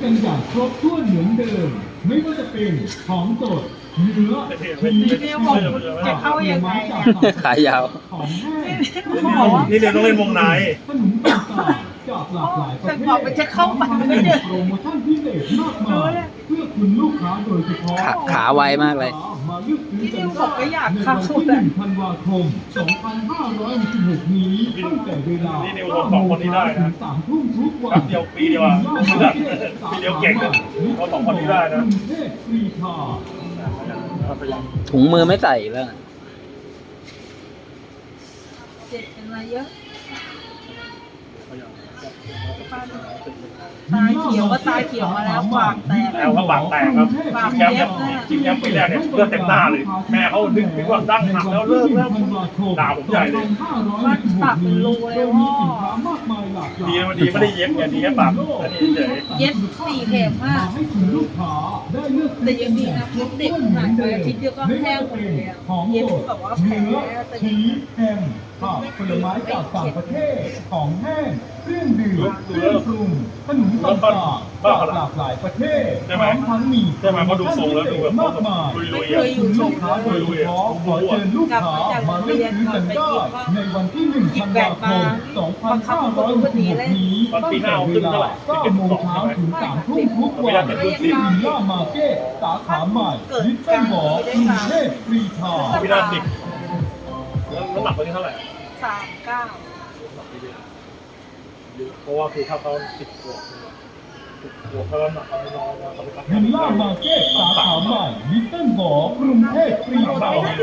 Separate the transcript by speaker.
Speaker 1: กันอย่างครบถ้วนเหมือนเดิมไม่ว่าจะเป็นของสดเนื้อ
Speaker 2: นี่ผมจะเข้ายังไงเนี่ย
Speaker 3: ขายาว
Speaker 1: ของแห้ง
Speaker 2: เขาบอกว่า
Speaker 4: นี่เดี๋ยวต้องเล่นวงใน
Speaker 1: ขนมต่างๆจากหลากหลายประเทศ
Speaker 2: แต่บอกมันจะเข้าไปมันก็เดิน
Speaker 1: โปรโมชั่นพิเศษมากมายเพื่อคุณลูกค้าโดยเฉพาะ
Speaker 3: ขาไวมากเลย
Speaker 1: มาเลือกซื้อ
Speaker 2: ที่
Speaker 1: กั
Speaker 2: นิ
Speaker 1: น
Speaker 2: วบอกก็อยากเข้า
Speaker 1: ในวันที่
Speaker 2: เลย
Speaker 1: 1 ธันวาคม 2566 นี้ตั้งแต่เวลา
Speaker 4: นี่นิวบอกสองคนนี้ได้นะ
Speaker 1: 3 ทุ่มทุกวัน
Speaker 4: แป๊บเดียวปีเดียวอะปีเดียวเก่งอะเขาสองคนนี้ได้นะ
Speaker 1: กรุงเทพกรีฑา
Speaker 3: ถุงมือไม่ใส่แล้วนะ
Speaker 2: เจ็บเป็นอะไรเยอะตาเขียวก็ตาเขียวมาแล้วปากแตก
Speaker 4: แล้วก็ปากแตกครับชิงแชมป์ชิงแชมป์ปีแรกเนี่ยเลือดเต็มหน้าเลย แม่เขาดึงไปว่าดั้งหักแล้วเลิกแล้วด่าผมใหญ่เลย
Speaker 2: มันปากเป็นรูเลยพ่อ
Speaker 4: ดีมันดีไม่ได้เย็บไงดีแค่ปากอันนี้เฉย
Speaker 2: เย็บ4 เข็มมากแต่ยังดีนะพบเด็กหายไปอาทิตย์เดียวก็แห้งหมดเลยอะเย็บแบบว่าแผลแต่
Speaker 1: ชีสแฮมผักผลไม้จากต่างประเทศ ของแห้ง เครื่องดื่มเครื่องปรุงขนมต่างๆจากหลากหลายประเทศพร้อมทั้งมี
Speaker 4: ใช่ไหมเขาดูทรงแล้วดูแบบ
Speaker 1: มากมาย
Speaker 4: ลุย
Speaker 2: เคยอยู่ช
Speaker 1: ลู
Speaker 2: ม
Speaker 1: กค้าโดยเฉพาะขอเชิญลูกค้ามาเลือกซื้อกันได้ในวันที่ 1 ธันวาคม 2566 นี้ตั้งแต่เวลา 9 โมงเช้าถึง 3 ทุ่มทุกวันที่วิลล่ามาร์เก็ตสาขาใหม่ลิตเติ้ลหมอกรุงเทพกรีฑา
Speaker 4: ๆวินาทีแล้วน้ำหนักวันนี้เท่าไหร่
Speaker 2: 39
Speaker 4: เพราะว่าคือถ้าเขา10 ขวบเขาน้ำหนักเขาน้อยนะเขาไปตัด
Speaker 1: วิลล่ามาร์เก็ตสาขาใหม่ลิตเติ้ลหมอกรุงเทพกรีฑา